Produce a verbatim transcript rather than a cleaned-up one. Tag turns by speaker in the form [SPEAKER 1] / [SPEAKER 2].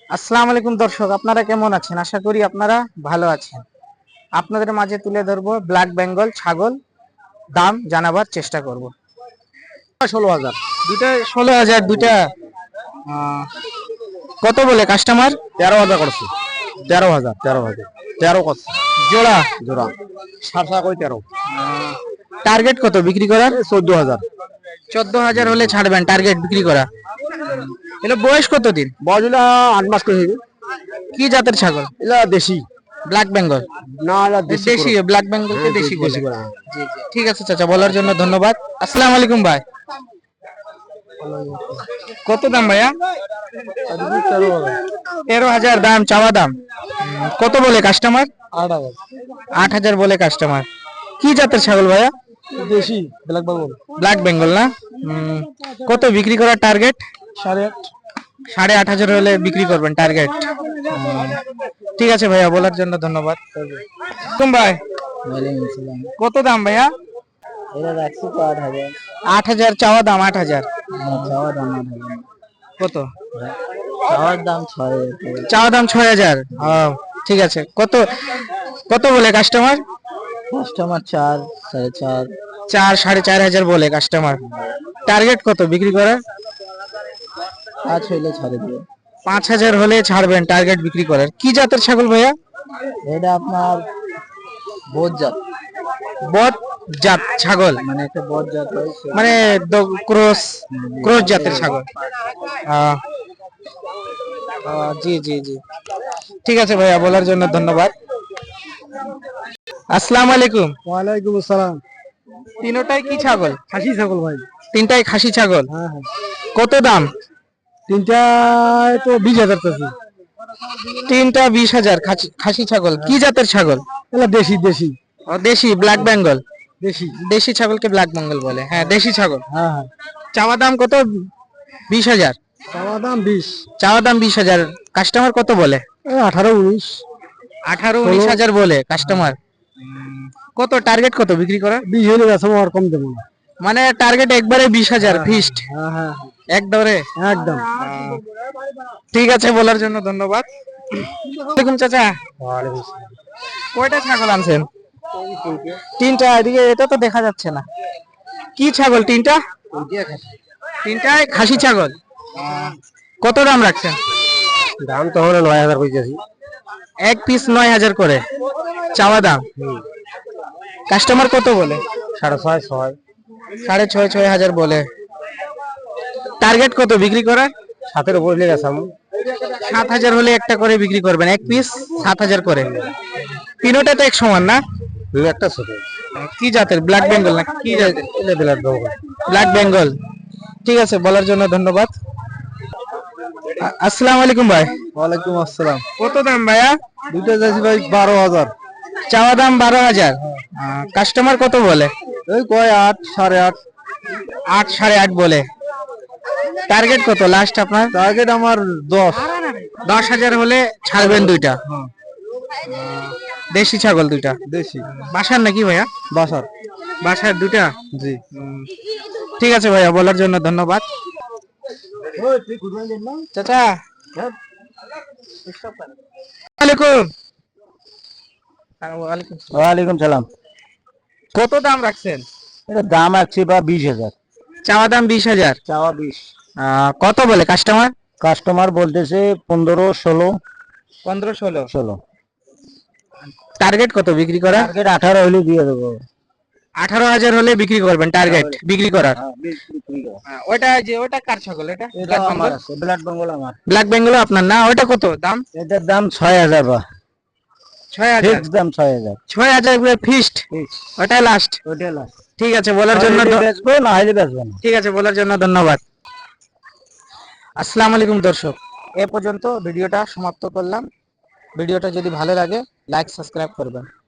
[SPEAKER 1] আসসালামু আলাইকুম দর্শক, আপনারা কেমন আছেন? আশা করি আপনারা ভালো আছেন। আপনাদের মাঝে তুলে ধরবো ব্ল্যাক বেঙ্গল ছাগল, দাম জানাবার চেষ্টা করব।
[SPEAKER 2] ষোলো হাজার।
[SPEAKER 1] দুটা ষোলো হাজার, দুটা আহ, কত বলে কাস্টমার?
[SPEAKER 2] তেরো হাজার করছে। তেরো হাজার তেরো হাজার তেরো করছে
[SPEAKER 1] জোড়া?
[SPEAKER 2] জোড়া সাত টাকা করে তেরো।
[SPEAKER 1] টার্গেট কত বিক্রি করার?
[SPEAKER 2] চোদ্দ হাজার।
[SPEAKER 1] চোদ্দ হাজার হলে ছাড়বেন টার্গেট বিক্রি করা। এগুলো বয়স কতদিন?
[SPEAKER 2] বয়সগুলা আট মাস করে হইবে।
[SPEAKER 1] কি জাতের ছাগল?
[SPEAKER 2] এলা দেশি
[SPEAKER 1] ব্ল্যাক বেঙ্গল?
[SPEAKER 2] না, এলা দেশি
[SPEAKER 1] দেশি
[SPEAKER 2] করে।
[SPEAKER 1] ব্ল্যাক বেঙ্গলকে
[SPEAKER 2] হ্যাঁ,
[SPEAKER 1] দেশি বলে।
[SPEAKER 2] দেশি করে, হ্যাঁ।
[SPEAKER 1] জি জি, ঠিক আছে চাচা, বলার জন্য ধন্যবাদ। আসসালামু আলাইকুম ভাই। কত দাম ভাইয়া? তেরো হাজার দাম, চাওয়া দাম। উম, কত বলে কাস্টমার?
[SPEAKER 2] আট হাজার।
[SPEAKER 1] আট হাজার বলে কাস্টমার। কি জাতের ছাগল ভাইয়া?
[SPEAKER 2] দেশি ব্ল্যাক বেঙ্গল।
[SPEAKER 1] ব্ল্যাক বেঙ্গল না? উম, কত বিক্রি করার টার্গেট?
[SPEAKER 2] সাড়ে আট।
[SPEAKER 1] সাড়ে আট হাজার হলে বিক্রি করবেন টার্গেট। ঠিক আছে ভাইয়া, বলার জন্য ধন্যবাদ। কুম ভাই, কত দাম ভাইয়া?
[SPEAKER 2] এটা রাখছি তো আট হাজার।
[SPEAKER 1] আট হাজার চাওয়া দাম, আট হাজার।
[SPEAKER 2] চাওয়ার দাম আট হাজার।
[SPEAKER 1] কত?
[SPEAKER 2] চাওয়ার দাম ছয় হাজার।
[SPEAKER 1] চাওয়া দাম ছয় হাজার। ঠিক আছে, কত কত বলে কাস্টমার?
[SPEAKER 2] কাস্টমার চার, সাড়ে চার।
[SPEAKER 1] চার সাড়ে চার হাজার বলে কাস্টমার। টার্গেট কত বিক্রি করার?
[SPEAKER 2] পাঁচ হইলে ছাড়ে দিবে।
[SPEAKER 1] পাঁচ হাজার হলে ছাড়বেন টার্গেট বিক্রি করার। কি জাতের ছাগল ভাইয়া?
[SPEAKER 2] এটা আপনার বোধ জাত।
[SPEAKER 1] বট জাত ছাগল?
[SPEAKER 2] মানে একটা বট জাত হয়েছে।
[SPEAKER 1] মানে ক্রস ক্রস জাতের ছাগল। আহ, আহ, জি জি জি, ঠিক আছে ভাইয়া, বলার জন্য ধন্যবাদ। আসসালামু আলাইকুম।
[SPEAKER 2] ওয়ালাইকুম আসসালাম।
[SPEAKER 1] তিনটাই কি ছাগল?
[SPEAKER 2] খাসি ছাগল ভাই।
[SPEAKER 1] তিনটাই খাসি ছাগল।
[SPEAKER 2] হ্যাঁ হ্যাঁ।
[SPEAKER 1] কত দাম?
[SPEAKER 2] তিনটায় তো বিশ হাজার টাকা।
[SPEAKER 1] তিনটা বিশ হাজার। খাসি খাসি ছাগল। কি জাতের ছাগল?
[SPEAKER 2] এগুলা দেশি দেশি
[SPEAKER 1] ও, দেশি ব্ল্যাক বেঙ্গল।
[SPEAKER 2] দেশি।
[SPEAKER 1] দেশি ছাগলকে ব্ল্যাক বেঙ্গল বলে, হ্যাঁ দেশি ছাগল।
[SPEAKER 2] হ্যাঁ হ্যাঁ।
[SPEAKER 1] চাওয়া দাম কত? বিশ হাজার।
[SPEAKER 2] চাওয়া দাম বিশ।
[SPEAKER 1] চাওয়া দাম বিশ হাজার। কাস্টমার কত বলে?
[SPEAKER 2] এই আঠারো উনিশ।
[SPEAKER 1] আঠারো উনিশ হাজার বলে কাস্টমার। কত টার্গেট কত বিক্রি করা?
[SPEAKER 2] বিশ হলে গেছে, আর কম দেবো না।
[SPEAKER 1] মানে টার্গেট একবারে বিশ হাজার ফিক্সড
[SPEAKER 2] হ্যাঁ হ্যাঁ
[SPEAKER 1] একদরে?
[SPEAKER 2] একদম।
[SPEAKER 1] ঠিক আছে, বলার জন্য ধন্যবাদ। ওয়ালাইকুম চাচা, কয়টা ছাগল আনছেন? তিনটা। এদিকে এটা তো দেখা যাচ্ছে না। কি ছাগল তিনটা? তিনটায় খাসি ছাগল। কত দাম রাখছেন?
[SPEAKER 2] দাম তো হলো নয় হাজার কইতেছি।
[SPEAKER 1] এক পিস নয় হাজার করে চাওয়া দাম। কাস্টমার কত বলে?
[SPEAKER 2] সাড়ে ছয় ছয়।
[SPEAKER 1] সাড়ে ছয় ছয় হাজার বলে। টার্গেট কত বিক্রি করার?
[SPEAKER 2] সাতের উপর লেগে গেছে।
[SPEAKER 1] সাত হাজার হলে একটা করে বিক্রি করবেন, এক পিস সাত হাজার করে। তিনোটা তো এক সমান না?
[SPEAKER 2] দুই একটা ছোট।
[SPEAKER 1] কি জাতের? ব্ল্যাক বেঙ্গল না কি জাতের?
[SPEAKER 2] ব্ল্যাক বেঙ্গল।
[SPEAKER 1] ব্ল্যাক বেঙ্গল। ঠিক আছে, বলার জন্য ধন্যবাদ। আ- আসসালামু আলাইকুম ভাই।
[SPEAKER 2] ওয়ালাইকুম আসসালাম।
[SPEAKER 1] কত দাম ভাইয়া?
[SPEAKER 2] দুইটা যাচ্ছি ভাই বারো হাজার।
[SPEAKER 1] চাওয়া দাম বারো হাজার। কাস্টমার কত বলে?
[SPEAKER 2] এই কয় আট, সাড়ে আট।
[SPEAKER 1] আট সাড়ে আট বলে। টার্গেট কত লাস্ট আপনার?
[SPEAKER 2] টার্গেট আমার দশ।
[SPEAKER 1] দশ হাজার হলে ছাড়বেন দুইটা। দেশি ছাগল দুইটা।
[SPEAKER 2] দেশি।
[SPEAKER 1] বাসার নাকি ভাইয়া?
[SPEAKER 2] বাসার।
[SPEAKER 1] বাসার দুইটা?
[SPEAKER 2] জি।
[SPEAKER 1] ঠিক আছে ভাইয়া, বলার জন্য ধন্যবাদ। চাচা, ওয়ালাইকুম।
[SPEAKER 2] ওয়ালাইকুম সালাম।
[SPEAKER 1] কত দাম রাখছেন?
[SPEAKER 2] এটা দাম আছে বা বিশ হাজার।
[SPEAKER 1] চাওয়া দাম বিশ হাজার।
[SPEAKER 2] চাওয়া বিশ।
[SPEAKER 1] আহ, কত বলে কাস্টমার?
[SPEAKER 2] কাস্টমার বলতেছে পনেরো ষোলো।
[SPEAKER 1] পনেরো ষোলো।
[SPEAKER 2] ষোলো।
[SPEAKER 1] টার্গেট কত বিক্রি করা?
[SPEAKER 2] টার্গেট আঠারো হলে দিয়ে দেবো।
[SPEAKER 1] আঠারো হাজার হলে বিক্রি করবেন টার্গেট বিক্রি করার। হ্যাঁ, ওটা যে ওটা কার ছাগল? এটা
[SPEAKER 2] এটা আমার আছে, ব্ল্যাক বেঙ্গল আমার।
[SPEAKER 1] ব্ল্যাক বেঙ্গল আপনার না? ওটা কত দাম?
[SPEAKER 2] এটার দাম ছয় হাজার বা
[SPEAKER 1] ছয় হাজার।
[SPEAKER 2] ফিক্স দাম ছয় হাজার।
[SPEAKER 1] ছয় হাজার ফিক্সড? ওটাই লাস্ট?
[SPEAKER 2] ওইটা লাস্ট।
[SPEAKER 1] ঠিক আছে, বলার জন্য ধ-
[SPEAKER 2] বেচবো না হলে বেচবো না।
[SPEAKER 1] ঠিক আছে, বলার জন্য ধন্যবাদ। আসসালামু আলাইকুম দর্শক, এ পর্যন্ত ভিডিওটা সমাপ্ত করলাম। ভিডিওটা যদি ভালো লাগে লাইক সাবস্ক্রাইব করবেন।